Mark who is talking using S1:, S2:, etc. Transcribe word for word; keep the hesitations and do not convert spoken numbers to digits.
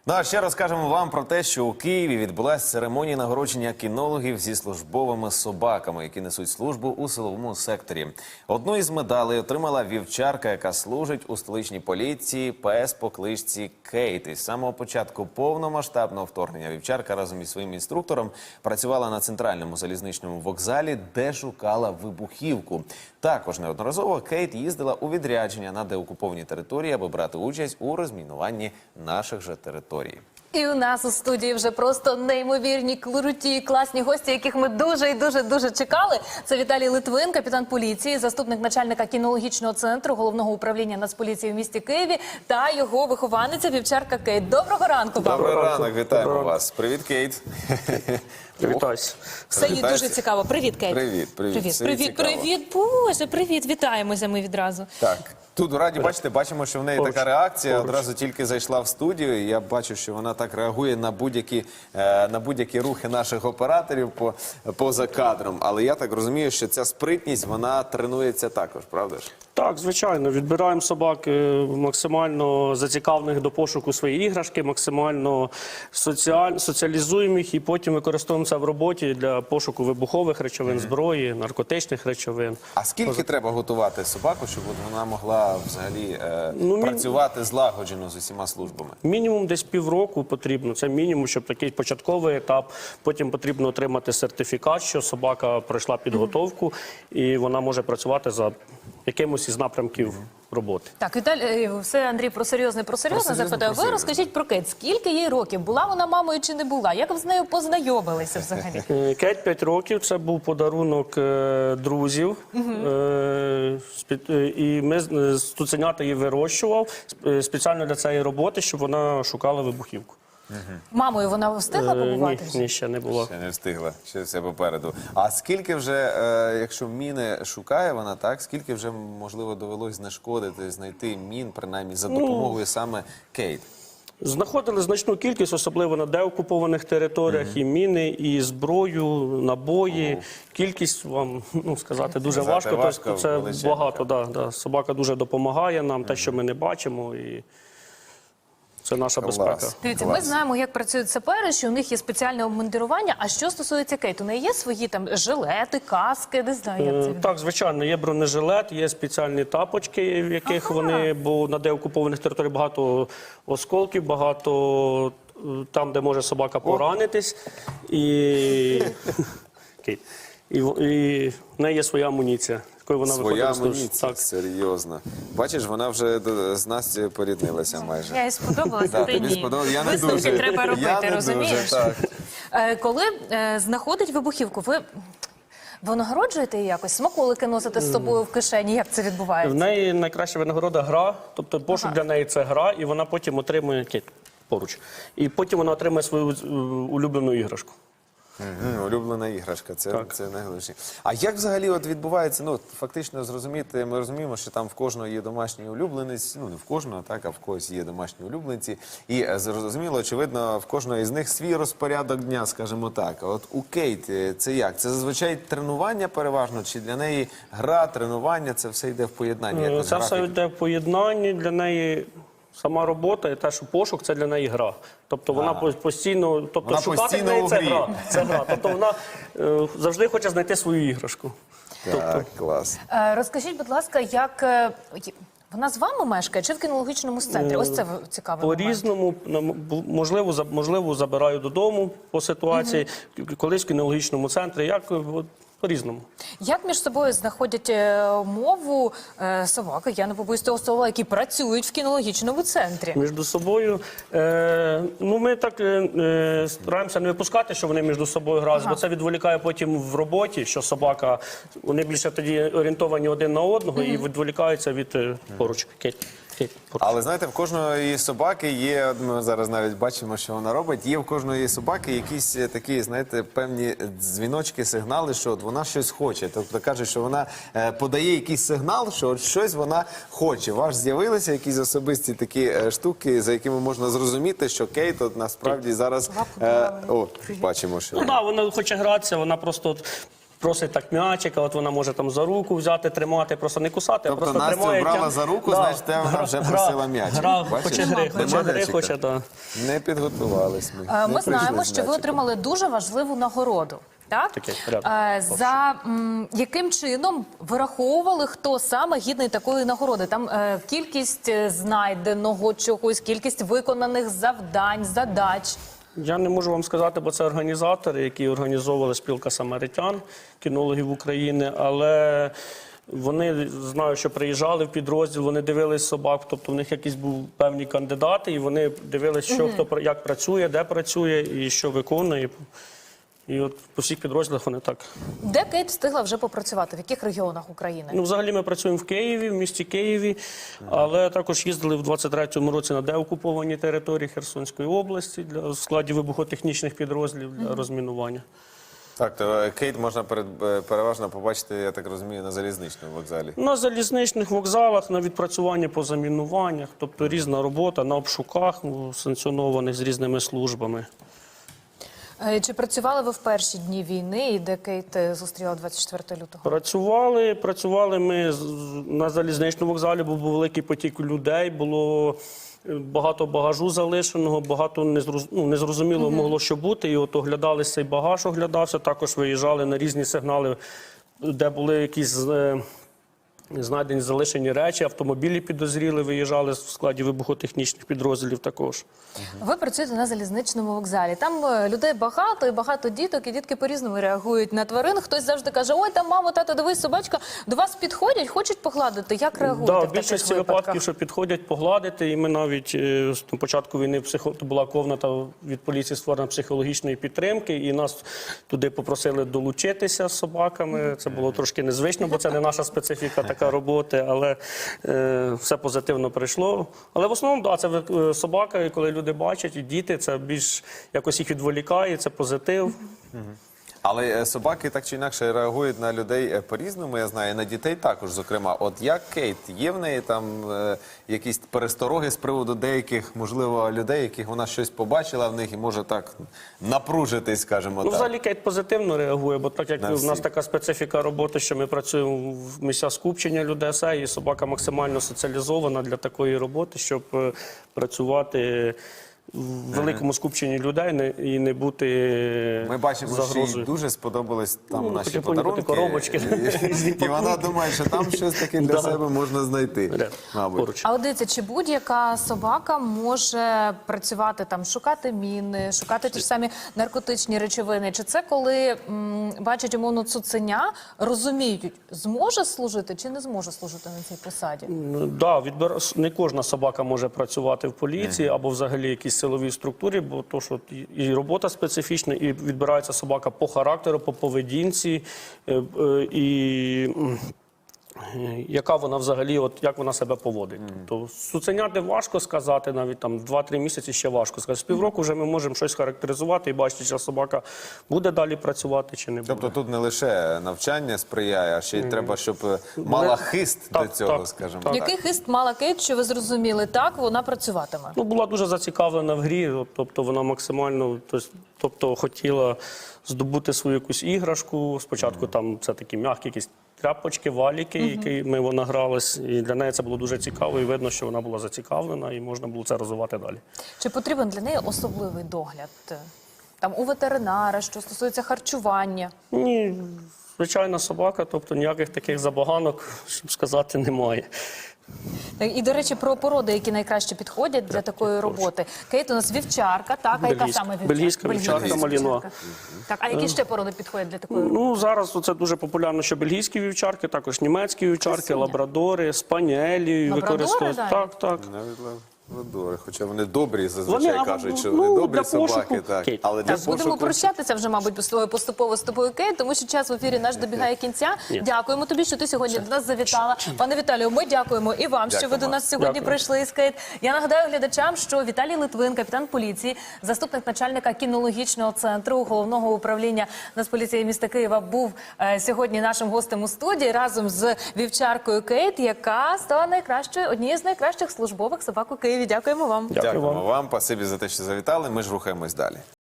S1: Ну а ще розкажемо вам про те, що у Києві відбулася церемонія нагородження кінологів зі службовими собаками, які несуть службу у силовому секторі. Одну із медалей отримала вівчарка, яка служить у столичній поліції, пес по кличці Кейт. Із самого початку повномасштабного вторгнення вівчарка разом із своїм інструктором працювала на центральному залізничному вокзалі, де шукала вибухівку. Також неодноразово Кейт їздила у відрядження на деокуповані території, аби брати участь у розмінуванні наших же територій.
S2: І у нас у студії вже просто неймовірні, круті, класні гості, яких ми дуже і дуже-дуже чекали. Це Віталій Литвин, капітан поліції, заступник начальника кінологічного центру Головного управління Нацполіції в місті Києві та його вихованиця вівчарка Кейт. Доброго ранку!
S1: Добрий ранок, вітаємо вас. Привіт, Кейт.
S3: Привітайся.
S2: Все їй дуже цікаво. Привіт, Кейт.
S1: Привіт, привіт.
S2: Привіт,
S1: Все їй
S2: привіт,
S1: цікаво.
S2: привіт, Боже, привіт. Вітаємося ми відразу.
S1: Так. Тут раді бачите, бачимо, що в неї
S3: Поруч,
S1: така реакція.
S3: поруч.
S1: Одразу тільки зайшла в студію. І я бачу, що вона так реагує на будь-які е, на будь-які рухи наших операторів по, поза кадром. Але я так розумію, що ця спритність, вона тренується також, правда ж?
S3: Так, звичайно, відбираємо собак е, максимально зацікавлених до пошуку своєї іграшки, максимально соціаль... соціалізуємо їх і потім використовуємо це в роботі для пошуку вибухових речовин, зброї, наркотичних речовин.
S1: А скільки треба готувати собаку, щоб от вона могла взагалі е,
S3: Ну, мін-
S1: працювати злагоджено з усіма службами?
S3: Мінімум десь півроку потрібно, це мінімум, щоб такий початковий етап. Потім потрібно отримати сертифікат, що собака пройшла підготовку і вона може працювати за якимось із напрямків роботи.
S2: Так, Віталій, все, Андрій, про серйозне, про серйозне
S1: серйозне,
S2: запитаю.
S1: про
S2: Ви
S1: серйозне.
S2: розкажіть про Кейт. Скільки їй років? Була вона мамою чи не була? Як ви з нею познайомилися взагалі?
S3: Е, Кейт п'ять років, це був подарунок е, друзів. Е, спі- е, і ми з- з цуценята її вирощував е, спеціально для цієї роботи, щоб вона шукала вибухівку.
S2: Мамою вона встигла
S3: Е,
S2: побувати?
S3: ні, ні, ще не було.
S1: Ще не встигла, ще все попереду. А скільки вже, е, якщо міни шукає вона, так, скільки вже, можливо, довелось знешкодити, знайти мін, принаймні, за допомогою саме Кейт?
S3: Знаходили значну кількість, особливо на деокупованих територіях, і міни, і зброю, набої. Кількість вам ну, сказати дуже
S1: Сказати
S3: важко.
S1: важко,
S3: Тобто це
S1: величезна.
S3: багато. Да, да. Собака дуже допомагає нам, те, що ми не бачимо. І це наша
S1: Клас.
S3: безпека.
S2: Дивіться, ми
S1: Клас.
S2: знаємо, як працюють сапери, що у них є спеціальне обмундирування. А що стосується Кейт? У неї є свої там жилети, каски, не знаю, як це
S3: Е,
S2: відбувається.
S3: Так, звичайно, є бронежилет, є спеціальні тапочки, в яких
S2: Ага.
S3: вони, бо на деокупованих територіях багато осколків, багато е, там, де може собака поранитись. І, Окей. і, в- і в неї є своя амуніція, якою вона
S1: Своя
S3: виходить. на службу.
S1: амуніція,
S3: Так.
S1: серйозно. Бачиш, вона вже до- з Настю поріднилася майже.
S2: Я їй сподобалася,
S1: Да,
S2: ти
S1: тобі
S2: ні.
S1: сподобалось? Я не
S2: Висновки
S1: дуже.
S2: треба робити,
S1: Я не
S2: розумієш?
S1: дуже, так.
S2: Е, Коли е, знаходить вибухівку, ви винагороджуєте її якось? Смаколики носите з собою в кишені? Як це
S3: В
S2: відбувається?
S3: неї найкраща винагорода гра, тобто пошук
S2: Ага.
S3: для неї це гра, і вона потім отримує Кейт, поруч. І потім вона отримує свою е, улюблену іграшку.
S1: Мгм, улюблена іграшка, це,
S3: Так.
S1: це найголовніше. А як взагалі от відбувається, ну, фактично зрозуміти, ми розуміємо, що там в кожного є домашній улюбленець, ну, не в кожного, так, а в когось є домашні улюбленці. І е, зрозуміло, очевидно, в кожного із них свій розпорядок дня, скажімо так. А от у Кейт е, це як? Це зазвичай тренування переважно, чи для неї гра, тренування, це все йде в поєднанні?
S3: Е,
S1: якось
S3: Це все
S1: графік?
S3: йде в поєднанні для неї. Сама робота і те, що пошук, це для неї гра. Тобто вона по- постійно, тобто
S1: Вона
S3: шукати
S1: постійно
S3: в неї
S1: у
S3: це
S1: грі.
S3: гра. Це гра. Тобто вона е, завжди хоче знайти свою іграшку.
S1: Так, клас.
S2: Е, Розкажіть, будь ласка, як е, й- вона з вами мешкає чи в кінологічному центрі? Ось це в- цікавий момент.
S3: По-різному, нам, бу- можливо, за- можливо, забираю додому по ситуації, колись в кінологічному центрі, як е, от, по-різному.
S2: Як між собою знаходять е, мову е, собаки, я не побоюсь того слова, які працюють в кінологічному центрі?
S3: Між собою, е, ну ми так е, е, стараємося не випускати, що вони між собою грають, бо це відволікає потім в роботі, що собака, вони більше тоді орієнтовані один на одного і відволікаються від е, поруч. Кейт, Кейт, поруч.
S1: Але знаєте, в кожної собаки є, ми зараз навіть бачимо, що вона робить, є в кожної собаки якісь е, такі, знаєте, певні дзвіночки, сигнали, що от вона щось хоче. Тобто каже, що вона е, подає якийсь сигнал, що от щось вона хоче. У вас з'явилися якісь особисті такі е, штуки, за якими можна зрозуміти, що Кейт от насправді зараз... Е, о, бачимо, що...
S3: Ну так, вона хоче гратися, вона просто от просить так м'ячика, от вона може там за руку взяти, тримати, просто не кусати,
S1: Тобто
S3: а просто
S1: Настю
S3: тримає.
S1: брала
S3: тям-
S1: за руку,
S3: Да.
S1: значить, те вона
S3: Гра-
S1: вже
S3: гра-
S1: просила м'ячик.
S3: Гра,
S1: Бачиш?
S3: хоче гри,
S1: Нема
S3: хоче гри,
S1: м'ячика.
S3: хоче, так.
S1: Не підготувались ми.
S2: Е,
S1: Не
S2: Ми
S1: прийшли
S2: знаємо,
S1: з
S2: що ви
S1: м'ячиком.
S2: отримали дуже важливу нагороду. Так?
S3: Таке, порядок.
S2: Е, За м, яким чином вираховували, хто саме гідний такої нагороди? Там е, кількість е, знайденого чогось, кількість виконаних завдань, задач.
S3: Я не можу вам сказати, бо це організатори, які організовували спілка самаритян, кінологів України, але вони, знаю, що приїжджали в підрозділ, вони дивились собак, тобто в них якісь були певні кандидати, і вони дивились, що хто пра- як працює, де працює і що виконує. І от по всіх підрозділах вони так.
S2: Де Кейт встигла вже попрацювати? В яких регіонах України?
S3: Ну, взагалі ми працюємо в Києві, в місті Києві, але також їздили в двадцять третьому році на деокуповані території Херсонської області для в складі вибухотехнічних підрозділів для розмінування.
S1: Так, то Кейт можна перед, е, переважно побачити, я так розумію, на залізничному вокзалі.
S3: На залізничних вокзалах, на відпрацюванні по замінуваннях, тобто різна робота на обшуках ну, санкціонованих з різними службами.
S2: Е, Чи працювали ви в перші дні війни, і де Кейт е, зустріла двадцять четвертого лютого?
S3: Працювали, працювали ми з- на залізничному вокзалі, бо був великий потік людей, було е, багато багажу залишеного, багато незроз... ну, незрозуміло могло що бути. І от оглядалися, цей багаж оглядався, також виїжджали на різні сигнали, де були якісь е, знайдені залишені речі, автомобілі підозріли, виїжджали в складі вибухотехнічних підрозділів також.
S2: Ви працюєте на залізничному вокзалі. Там е, людей багато і багато діток, і дітки по-різному реагують на тварин. Хтось завжди каже: ой, там мамо, тато, дивись, собачка. До вас підходять, хочуть погладити. Як реагуєте
S3: Да,
S2: в
S3: в
S2: таких
S3: більшості
S2: випадках?
S3: випадків, що підходять погладити, і ми навіть е, з початку війни психо... була комната від поліції створена психологічної підтримки, і нас туди попросили долучитися з собаками. Це було трошки незвично, бо це не наша специфіка така роботи, але е, все позитивно прийшло. Але в основному, да, це е, собака, і коли люди бачать, і діти, це більш якось їх відволікає, це позитив.
S1: Але е, собаки так чи інакше реагують на людей е, по-різному, я знаю, і на дітей також, зокрема. От як Кейт, є в неї там е, якісь перестороги з приводу деяких, можливо, людей, яких вона щось побачила в них і може так напружитись, скажімо
S3: Ну,
S1: так?
S3: взагалі Кейт позитивно реагує, бо так як
S1: На
S3: в нас
S1: всіх.
S3: така специфіка роботи, що ми працюємо в місця скупчення людей, все, і собака максимально соціалізована для такої роботи, щоб е, працювати в великому скупченні людей не- і не бути
S1: Ми бачимо, що їй
S3: загрозою.
S1: дуже сподобались там
S3: Ну,
S1: наші
S3: потихоньку
S1: подарунки.
S3: коробочки, різні
S1: І, і вона
S3: пакунки.
S1: думає, що там щось таке для
S3: Да.
S1: себе можна знайти,
S3: Де?
S1: мабуть.
S3: Поруч.
S2: А от дивіться, чи будь-яка собака може працювати там, шукати міни, шукати ті ж самі наркотичні речовини? Чи це коли м, бачать умовно цуценя, розуміють, зможе служити чи не зможе служити на цій посаді?
S3: Ну, да, відбира... не кожна собака може працювати в поліції або взагалі якійсь силовій структурі, бо то, що і- і робота специфічна, і відбирається собака по характеру, по поведінці, е, е, і м, е, яка вона взагалі, от як вона себе поводить. Тобто цуценяти важко сказати, навіть там два-три місяці ще важко сказати. З півроку вже ми можемо щось характеризувати і бачити, чи собака буде далі працювати чи не буде.
S1: Тобто тут не лише навчання сприяє, а ще й треба, щоб е, мала хист
S3: Так,
S1: до цього,
S3: так,
S1: скажімо
S3: так.
S1: так.
S2: Який хист мала Кейт, що ви зрозуміли? Так, вона працюватиме.
S3: Ну, була дуже зацікавлена в грі, от, тобто вона максимально тось- тобто, хотіла здобути свою якусь іграшку. Спочатку там це такі м'які якісь тряпочки, валіки, якими вона гралась. І для неї це було дуже цікаво, і видно, що вона була зацікавлена, і можна було це розвивати далі.
S2: Чи потрібен для неї особливий догляд? Там у ветеринара, що стосується харчування?
S3: Ні, звичайна собака, тобто ніяких таких забаганок, щоб сказати, немає.
S2: Так, і, до речі, про породи, які найкраще підходять для такої роботи. Кейт у нас вівчарка, так? А яка
S3: Бельгійська.
S2: саме вівчарка?
S3: Бельгійська вівчарка, малінуа.
S2: Так, а які ще породи підходять для такої роботи?
S3: Ну, зараз це дуже популярно, що бельгійські вівчарки, також німецькі вівчарки,
S2: Красуня.
S3: лабрадори, спаніелі
S2: Лабрадори
S3: використовують.
S2: навіть?
S3: Так, так.
S1: Навіть ладори, хоча вони добрі, зазвичай
S3: Вони, а,
S1: кажуть, що
S3: ну,
S1: вони добрі
S3: для
S1: собаки,
S3: пошуку.
S1: так.
S3: Кейт.
S1: Але для
S2: Так, будемо
S1: пошуку...
S2: прощатися вже, мабуть, поступово- поступово з тобою, Кейт, тому що час в ефірі наш добігає кінця.
S3: Ні.
S2: Дякуємо тобі, що ти сьогодні до нас завітала. Пане Віталію, ми дякуємо і вам, що ви
S1: Дякуємо.
S2: до нас сьогодні
S3: Дякую.
S2: прийшли із Кейт. Я нагадаю глядачам, що Віталій Литвин, капітан поліції, заступник начальника кінологічного центру Головного управління Нацполіції міста Києва, був е, сьогодні нашим гостем у студії разом з вівчаркою Кейт, яка стала найкращою, однією з найкращих службових собак у Києві. Дякуємо вам.
S3: Дякую
S1: Дякуємо
S3: вам.
S1: вам, спасибі за те, що завітали. Ми ж рухаємось далі.